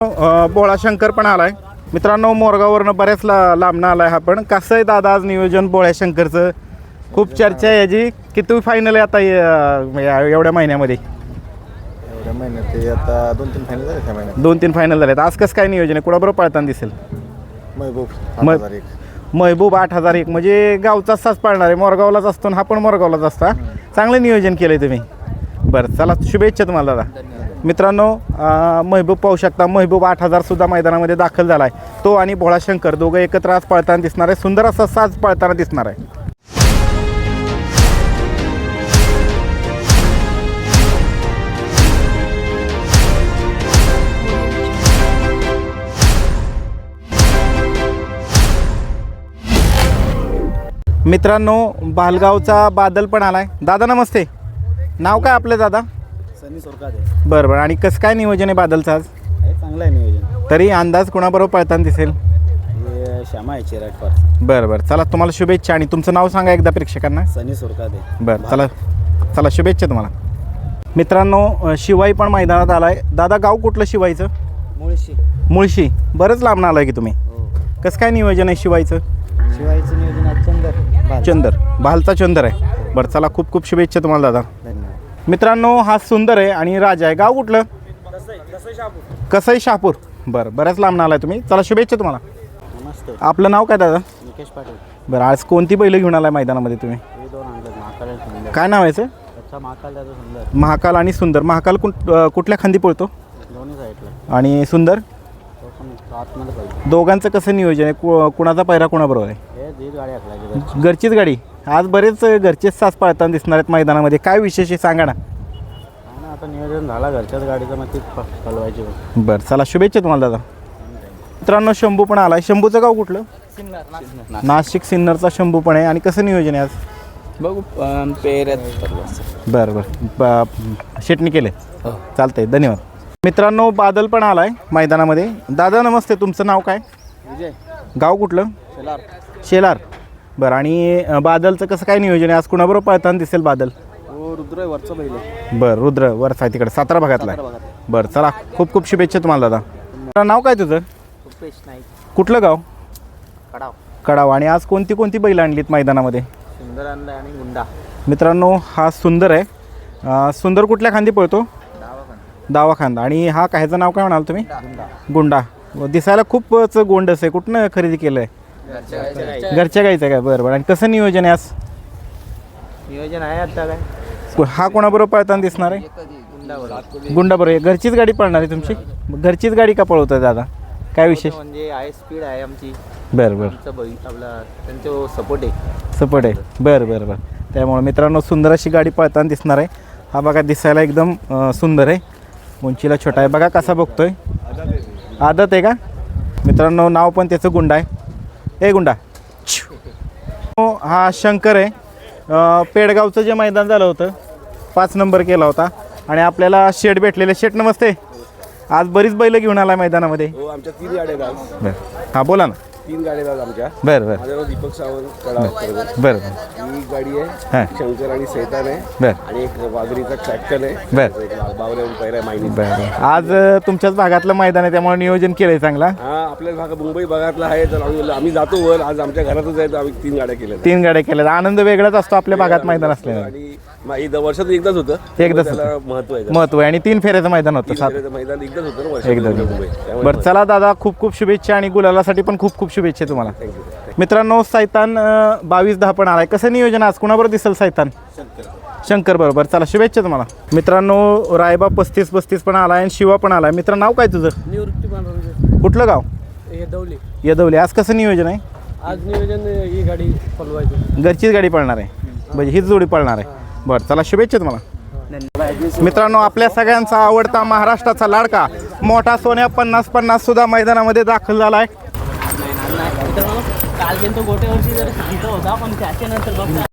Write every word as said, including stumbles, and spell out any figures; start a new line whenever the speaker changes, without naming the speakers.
अ, बोळा शंकर पण आलाय मित्रांनो. मोरगाववरनं बऱ्याच ला लांबनं आलाय हा पण. कसं आहे दादा आज नियोजन बोळ्या शंकरचं? खूप चर्चा आहे याची. किती फायनल आहे आता या- या- एवढ्या महिन्यामध्ये?
एवढ्या महिन्यात ते आता दोन तीन फायनल झाले त्या महिन्यात.
दोन तीन फायनल झालेत. आज कसं काय नियोजन आहे? कुणाबरोबर पळताना दिसेल?
महबूब
म-
आठ हजार एक.
महबूब आठ हजार एक म्हणजे गावचाच साच पाळणार आहे. मोरगावलाच असतो आणि हा पण मोरगावलाच असता. चांगलं नियोजन केलं आहे तुम्ही. बरं चला, शुभेच्छा तुम्हाला दादा. मित्रांनो अ, महबूब पाहू शकता. महबूब आठ हजार सुद्धा मैदानामध्ये दाखल झाला आहे. तो आणि भोळा शंकर दोघं एकत्र आज पळताना दिसणार आहे. सुंदर असा साज पळताना दिसणार आहे. मित्रांनो बालगावचा बादल पण आलाय. दादा नमस्ते. नाव काय आपलं दादा?
सनी सोरकादे.
बरं बरं. आणि कसं काय नियोजन आहे बादलचं आज?
हे चांगलं आहे नियोजन.
तरी अंदाज कोणाबरोबर पळताना दिसेल?
हे श्यामा आहे चिराट पार.
बरं बरं चला, तुम्हाला शुभेच्छा. आणि तुमचं नाव सांगा एकदा प्रेक्षकांना.
सनी सोरकादे.
बरं चला चला, शुभेच्छा तुम्हाला. मित्रांनो अ, शिवाई पण मैदानात आलाय. दादा गाव कुठलं शिवाईचं?
मुळशी.
मुळशी. बरंच लांब आलाय की तुम्ही.
हो.
कसं काय नियोजन आहे शिवाईचं?
शिवायचं नियोजन आज चंदर.
चंदर. भालचा चंदर आहे. बरं चला, खूप खूप शुभेच्छा तुम्हाला दादा.
धन्यवाद.
मित्रांनो हा सुंदर आहे आणि राजा आहे. गाव कुठलं? कसई शहापूर. बरं, बऱ्याच लांब आलाय तुम्ही. चला शुभेच्छा तुम्हाला.
नमस्ते.
आपलं नाव काय दादा?
निकेश पाटील.
बरं, आज कोणती बैलं घेऊन आलाय मैदानामध्ये तुम्ही?
हे दोन आणलं महाकाल सुंदर.
काय नाव आहे याचं?
अच्छा महाकाल त्याचं सुंदर.
महाकाल आणि सुंदर. महाकाल कुठ अ, कुठल्या खांदी पळतो?
दोन्ही साईडला.
आणि सुंदर?
तो पण आतमध्ये पाहिजे.
दोघांचं कसं नियोजन आहे? कु कुणाचा पैरा कोणाबरोबर आहे?
हे दीड गाडी हाकलायची.
घरचीच गाडी. आज बरेच घरचेच सास पळताना दिसणार आहेत मैदानामध्ये. काय विशेष आहे सांगा ना.
ना आता नियोजन झाला घरच्याच गाडीचं, मग तीच चालवायची.
बरं चला, शुभेच्छा तुम्हाला दादा. मित्रांनो शंभू पण आलाय. शंभूचं गाव कुठलं? नाशिक सिन्नरचा शंभू पण आहे. आणि कसं नियोजन आहे आज?
बघू पेर.
बरं बरं. ब- शेटणी केले. चालतंय, धन्यवाद. मित्रांनो बादल पण आलाय मैदानामध्ये. दादा नमस्ते. तुमचं नाव काय?
विजय.
गाव कुठलं?
शेलार.
शेलार. बरं. आणि अ, बादलचं कसं काय नियोजन आहे आज? कुणाबरोबर पळताना दिसेल बादल?
हो रुद्र वरचं बैल आहे.
बरं, रुद्र वरचा आहे तिकडे सातारा भागातला आहे. बरं चला, खूप खूप शुभेच्छा तुम्हाला दादा. तुझं नाव काय तुझं?
रुपेश नाईक.
कुठलं गाव?
कडाव.
कडाव. आणि आज कोणती कोणती बैल आणलीत मैदानामध्ये?
सुंदर आणला आणि गुंडा.
मित्रांनो हा सुंदर आहे. अ, सुंदर कुठल्या खांदी पळतो? दावा खांदा. आणि हा काय, ह्याचं नाव काय म्हणाल तुम्ही?
गुंडा.
गुंडा. व दिसायला खूपच गोंडस आहे. कुठनं खरेदी केलं आहे? घरच्या गाईचं आहे काय? बरं बरं. आणि कसं नियोजन आहे आज?
नियोजन आहे आता काय?
को- हा कोणाबरोबर पळताना दिसणार आहे?
गुंडा.
गुंडा बरोबर. घरचीच गाडी पळणार आहे तुमची? घरचीच गाडी का पळवत आहे दादा? काय विशेष?
म्हणजे आहे स्पीड आहे आमची.
बरं बरं.
आमचं बैल आपला त्यांचं सपोर्ट आहे.
सपोर्ट आहे. बरं बरं बरं. त्यामुळे मित्रांनो सुंदर अशी गाडी पळताना दिसणार आहे. हा बघा दिसायला एकदम अ, सुंदर आहे. उंचीला छोटा आहे. बघा कसा बघतोय. आदत आहे का? मित्रांनो नाव पण त्याचं गुंडा आहे. ए गुंडा. हो, हा शंकर आहे. अ, पेडगावचं जे मैदान झालं होतं पाच नंबर केला होता. आणि आपल्याला शेट भेटलेले. शेट नमस्ते. आज बरीच बैलं घेऊन आला मैदानामध्ये.
हो आमच्या तीन गाड्या आहेत आज.
बरं हां बोला ना.
तीन गाड्या आहेत आमच्या.
बरं बरं
माझं नाव दीपक सावंत कडाव.
बरं बरं.
ही गाडी आहे
हां
शंकर आणि सैतान आहे.
बरं
आणि एक वाघरीचा ट्रॅक्टर आहे.
बरं
एक बावऱ्याहून पैरा आहे मायनी.
बरं बरं. आज अ, तुमच्याच भागातलं मैदान आहे त्यामुळे नियोजन केलं आहे चांगला.
हा आपल्या भाग मुंबई भागातला आहे. तर आम्ही आम्ही जातो वर. आज आमच्या घरातच आहे तर आम्ही तीन गाड्या केल्या.
तीन गाड्या केल्या. आनंद वेगळाच असतो आपल्या भागात मैदान असल्याने.
आणि मा- एकदा वर्षातून एकदाच होतं.
एकदाच
त्याला
होतं.
महत्व आहे.
महत्व आहे. आणि तीन फेऱ्याचं मैदान होतं.
तीन
सात
फेऱ्याचं मैदान एकदाच होतं ना
एकदा
वर्षातून मुंबई. त्यामुळे
बरं चला दादा, खूप खूप शुभेच्छा. आणि गुलालासाठी पण खूप खूप शुभेच्छा तुम्हाला.
थँक्यू.
मित्रांनो सैतान अ, बावीस दहा पण आलाय. कसं नियोजन आज? कुणाबरोबर दिसेल सैतान? शंकर बरोबर. चला शुभेच्छा तुम्हाला. मित्रांनो रायबा पस्तीस पस्तीस पण आलाय आणि शिवा पण आलाय. मित्र नाव काय तुझं?
निवृत्ती बांधव.
कुठलं गाव?
हे दौली.
यदवली. आज कसं नियोजन आहे?
आज नियोजन ही गाडी पलवायची.
घरचीच गाडी पळणार आहे. म्हणजे हीच जोडी पळणार आहे. बरं चला शुभेच्छा तुम्हाला. मित्रांनो आपल्या सगळ्यांचा आवडता महाराष्ट्राचा लाडका मोठा सोन्या पन्नास पन्नास सुद्धा मैदानामध्ये दाखल झाला आहे.
काल गेलो गोट्यावरची जर होता पण त्याच्यानंतर बघ